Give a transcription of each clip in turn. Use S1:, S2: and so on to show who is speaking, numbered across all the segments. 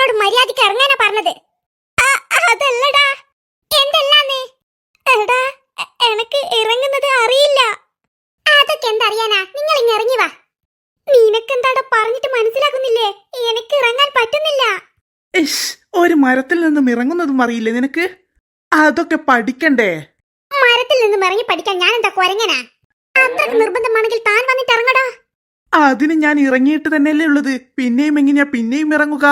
S1: നിങ്ങളോട് മര്യാദയ്ക്ക് ഇറങ്ങാനാ പറഞ്ഞത്. അതല്ലടാ. എന്തല്ലാന്ന്? എടാ, എനക്ക് ഇറങ്ങുന്നത് അറിയില്ല. അതൊക്കെ എന്തറിയാനാ, നിങ്ങൾ ഇങ്ങ് ഇറങ്ങി വാ. നിനക്കെന്താടാ പറഞ്ഞിട്ട് മനസ്സിലാക്കുന്നില്ലേ? എനിക്ക് ഇറങ്ങാൻ പറ്റുന്നില്ല.
S2: ഒരു മരത്തിൽ നിന്നും ഇറങ്ങുന്നതും അറിയില്ലേ നിനക്ക്? അതൊക്കെ പഠിക്കണ്ടേ?
S1: മരത്തിൽ നിന്നും ഇറങ്ങി പഠിക്കാൻ ഞാൻ എന്താ കുരങ്ങനാ? അത്രക്ക് നിർബന്ധമാണെങ്കിൽ താൻ വന്നിട്ട് ഇറങ്ങടാ.
S2: അതിന് ഞാൻ ഇറങ്ങിയിട്ട് തന്നെയല്ലേ ഉള്ളത്. പിന്നെയും എങ്ങനെയാ പിന്നെയും ഇറങ്ങുക?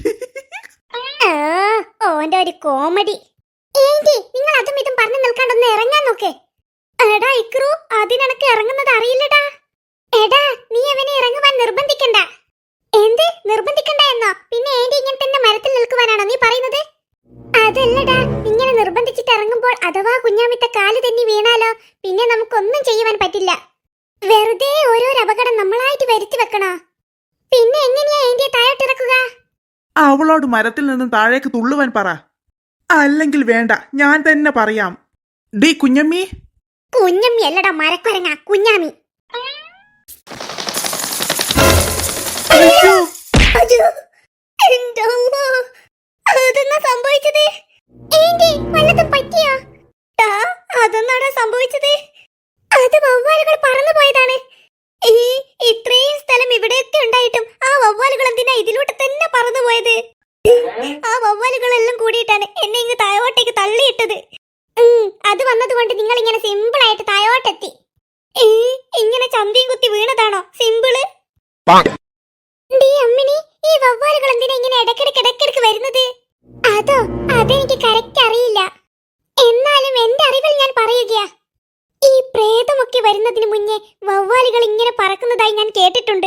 S1: ഓന്റെ ഒരു കോമഡി. ഏന്റി, നിങ്ങൾ അതും ഇതും പറഞ്ഞു നിൽക്കാണ്ടൊന്ന് ഇറങ്ങാൻ നോക്ക്. എടാ ഇക്രു, അതിനെനക്ക് ഇറങ്ങുന്നത് അറിയില്ലടാ. എടാ, നീ അവനെ ഇറങ്ങുവാൻ നിർബന്ധിക്കണ്ട. എന്ത് നിർബന്ധിക്കണ്ട എന്നോ? പിന്നെ ഏന്റി ഇങ്ങനെ തന്നെ മരത്തിൽ നിൽക്കുവാനാണോ നീ പറയുന്നത്? അതല്ലടാ, ഇങ്ങനെ നിർബന്ധിച്ചിട്ട് ഇറങ്ങുമ്പോൾ അഥവാ കുഞ്ഞാമിത്തെ കാല് തന്നെ വീണാലോ, പിന്നെ നമുക്കൊന്നും ചെയ്യുവാൻ പറ്റില്ല. വെറുതെ ഓരോരോ അപകടം നമ്മളായിട്ട് വരുത്തി വെക്കണോ? പിന്നെ എങ്ങനെയാ ഏന്റിയെ താഴോട്ടിറക്കുക?
S2: അവളോട് മരത്തിൽ നിന്നും താഴേക്ക് തുള്ളുവാൻ പറ. അല്ലെങ്കിൽ വേണ്ട, ഞാൻ തന്നെ പറയാം. ഡീ കുഞ്ഞമ്മി.
S1: കുഞ്ഞമ്മി അല്ലടാ മരക്കുരങ്ങ, കുഞ്ഞാമി. അതെന്നാ സംഭവിച്ചത്? വല്ലതും പറ്റിയോ? അതെന്നാടാ സംഭവിച്ചത്? അത് വവ്വാലുകൾ പറന്നു പോയതാണ്. ഇത്രയും സ്ഥലം ഇവിടെയൊക്കെ ഉണ്ടായിട്ടും ആ വവ്വാലുകൾ എന്തിനാ ഇതിലൂടെ തന്നെ പറന്നു പോയത്? ആ വവ്വാലുകളെല്ലാം കൂടിയിട്ടാണ് എന്നെ ഇങ്ങ് താഴോട്ടേക്ക് തള്ളിയിട്ടത്. അത് വന്നതുകൊണ്ട് നിങ്ങൾ ഇങ്ങനെ സിമ്പിൾ ആയിട്ട് താഴോട്ടെത്തി. ഇങ്ങനെ ചന്തിയും കുത്തി വീണതാണോ സിമ്പിള്? അമ്മിണി, ഈ വവ്വാലുകൾ എന്തിനാ ഇങ്ങനെ ഇടയ്ക്കിടയ്ക്ക് വരുന്നത്? അതെനിക്ക് കറക്റ്റ് അറിയില്ല. എന്നാലും എന്റെ അറിവിൽ ഞാൻ പറയുകയാ. ഈ പ്രേതമൊക്കെ വരുന്നതിന് മുന്നേ വവ്വാലുകൾ ഇങ്ങനെ പറക്കുന്നതായി ഞാൻ കേട്ടിട്ടുണ്ട്.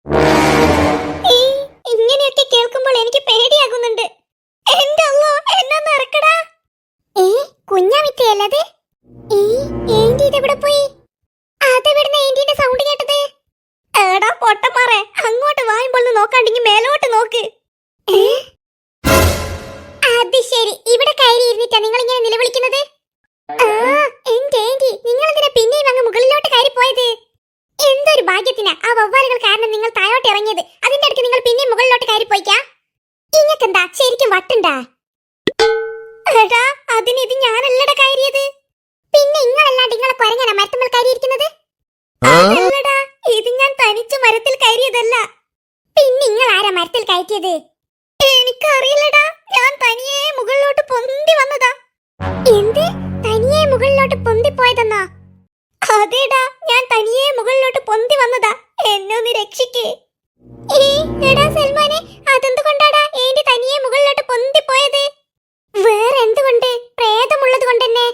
S1: ഇങ്ങനെയൊക്കെ കേൾക്കുമ്പോൾ എനിക്ക് പേടിയാകുന്നുണ്ട്. എന്റെ അല്ലോ, എന്നൊന്ന് ഇറക്കടാ. കുഞ്ഞാമിത്തയല്ലത്? ഏന്റി ഇതെവിടെ പോയി? അതെവിടുന്ന ഏന്റിന്റെ സൗണ്ട് കേട്ടത്? എടാ പൊട്ടന്മാരെ, അങ്ങോട്ട് വായുമ്പോൾ നോക്കാണ്ടെങ്കിൽ മേലോട്ട് നോക്ക്. അത് ശരി, ഇവിടെ കയറി ഇരുന്നിട്ടാ നിങ്ങൾ ഇങ്ങനെ നിലവിളിക്കുന്നത്? എന്റെ ഏന്റി, നിങ്ങൾ എന്തിനാ പിന്നെയും അങ്ങ് മുകളിലോട്ട് കയറി പോയത്? എന്തൊരു ഭാഗ്യത്തിനാ ആ വവ്വാലുകൾ കാരണം നിങ്ങൾ താഴോട്ട് ഇറങ്ങിയത്. അതിന്റെ അടുത്ത് നിങ്ങൾ പിന്നെയും മുകളിലോട്ട് കയറി പോയിക്കാ. ഇങ്ങക്കെന്താ ശരിക്കും വട്ടുണ്ടാ? എടാ, അതിന് ഇത് ഞാനല്ലടാ കയറിയത്. പിന്നെ ഇങ്ങളല്ലാണ്ട് നിങ്ങളെ കുരങ്ങനാ മരത്തുമ്പോൾ കയറിയിരിക്കുന്നത്? അല്ലടാ, ഇത് ഞാൻ തനിച്ച് മരത്തിൽ കയറിയതല്ല. പിന്നെ നിങ്ങൾ ആരാ മരത്തിൽ കയറ്റിയത്? എനിക്കറിയില്ലടാ, ഞാൻ തനിയെ മുകളിലോട്ട് പൊന്തി വന്നതാ. എന്ത്? തനിയെ മുകളിലോട്ട് പൊന്തി പോയതെന്നാ? അതേടാ, ഞാൻ തനിയെ മുകളിലോട്ട് പൊന്തി വന്നതാ. എന്നെ ഒന്ന് രക്ഷിക്കേ. എടാ സൽമാനെ, അതെന്തുകൊണ്ടാടാ ഏന്റി തനിയെ മുകളിലോട്ട് പൊന്തി പോയത്? വേറെ എന്തുകൊണ്ട്? പ്രേതമുള്ളത് കൊണ്ടെന്നെ.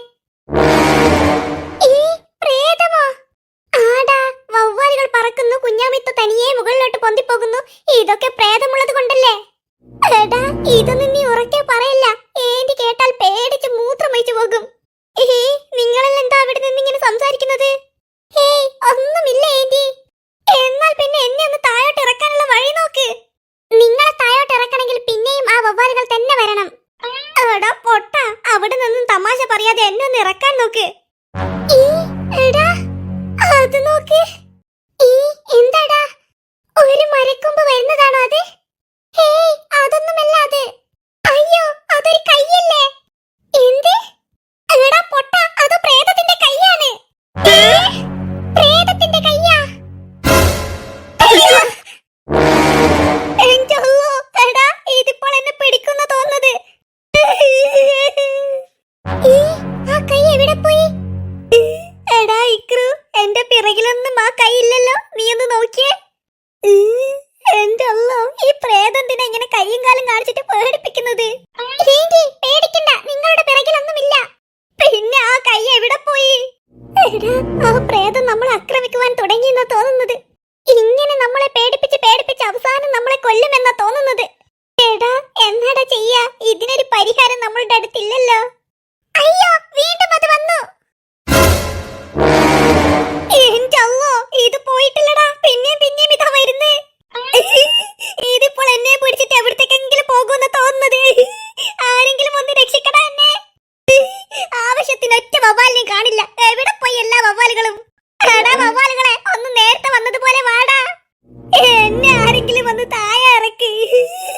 S1: പ്രേതമോ? ആടാ, വവ്വാലുകൾ പറക്കുന്നു, കുഞ്ഞാമിത്ത തനിയെ മുകളിലോട്ട് പൊന്തിപ്പോകുന്നു. ഇതൊക്കെ പ്രേതമുള്ളത് കൊണ്ടല്ലേ? എടാ, ഇതൊന്നും നീ ഉറക്കെ പറയല്ല. ഏന്റി കേട്ടാൽ പേടിച്ച് മൂത്രമൊഴിച്ചു പോകും. നിങ്ങളെല്ലാം എന്താ അവിടെ നിന്നിങ്ങനെ സംസാരിക്കുന്നത്? ഒന്നുമില്ല ഏന്റി. എന്നാൽ പിന്നെ എന്നെ ഒന്ന് താഴോട്ട് ഇറക്കാനുള്ള വഴി നോക്ക്. നിങ്ങളെ താഴോട്ട് ഇറക്കണമെങ്കിൽ പിന്നെയും ആ വവ്വാലുകൾ തന്നെ വരണം. എടാ പൊട്ട, അവിടെ നിന്നും തമാശ പറയാതെ എന്നെ ഒന്ന് ഇറക്കാൻ നോക്ക്. എടാ, അത് നോക്ക്. എന്താടാ, ഒരു മരക്കൊമ്പ് വരുന്നതാണോ അത്? അതൊന്നുമല്ല അത്. അയ്യോ, അതൊരു കൈയല്ലേ? എന്ത്? എടാ പൊട്ട, അത് പ്രേതത്തിന്റെ കൈയാണ്. പ്രേതത്തിന്റെ കൈയാ? എടാ, ഇതിപ്പോൾ എന്നെ പിടിക്കുന്ന തോന്നുന്നത്. ആ കൈ എവിടെ പോയി? എടാ ഇക്രു, എന്റെ പിറകിലൊന്നും ആ കൈ ഇല്ലല്ലോ. നീ ഒന്ന് നോക്കിയേ. എന്റെ അല്ലോ, ഈ പ്രേതത്തിനെ ഇങ്ങനെ കൈയും കാലും കാണിച്ചിട്ട് പേടിപ്പിക്കുന്നത്? പേടിക്കണ്ട, നിങ്ങളുടെ പിറകിലൊന്നുമില്ല. പിന്നെ ആ കൈ എവിടെ പോയി? എടാ, ആ പ്രേതം നമ്മളെ ആക്രമിക്കുവാൻ തുടങ്ങിയെന്നാ തോന്നുന്നത്. ഇങ്ങനെ നമ്മളെ പേടിപ്പിച്ച് അവസാനം നമ്മളെ കൊല്ലുമെന്നാ തോന്നുന്നത്. എടാ, എന്നാടാ ചെയ്യാ? ഇതിനൊരു പരിഹാരം നമ്മളുടെ അടുത്തില്ലല്ലോ. അയ്യോ, വീണ്ടും അത് വന്നു. എന്റെ അല്ലോ, ഇത് പോയിട്ടില്ലടാ. പിന്നെയും ഇതാ വരുന്നേ. ഇതിപ്പോൾ എന്നെ പിടിച്ചിട്ട് എവിടത്തേക്കെങ്കിലും പോകുമെന്ന് തോന്നുന്നത്. ആരെങ്കിലും ഒന്ന് രക്ഷിക്കടാ എന്നെ. ആവശ്യത്തിന് ഒറ്റ വവ്വാലിനെ കാണില്ല. എവിടെ പോയി എല്ലാ വവ്വാലുകളും? എടാ വവ്വാലുകളെ, ഒന്ന് നേരത്തെ വന്നതുപോലെ വാടാ. എന്നെ ആരെങ്കിലും വന്ന് താഴെ ഇറക്കി.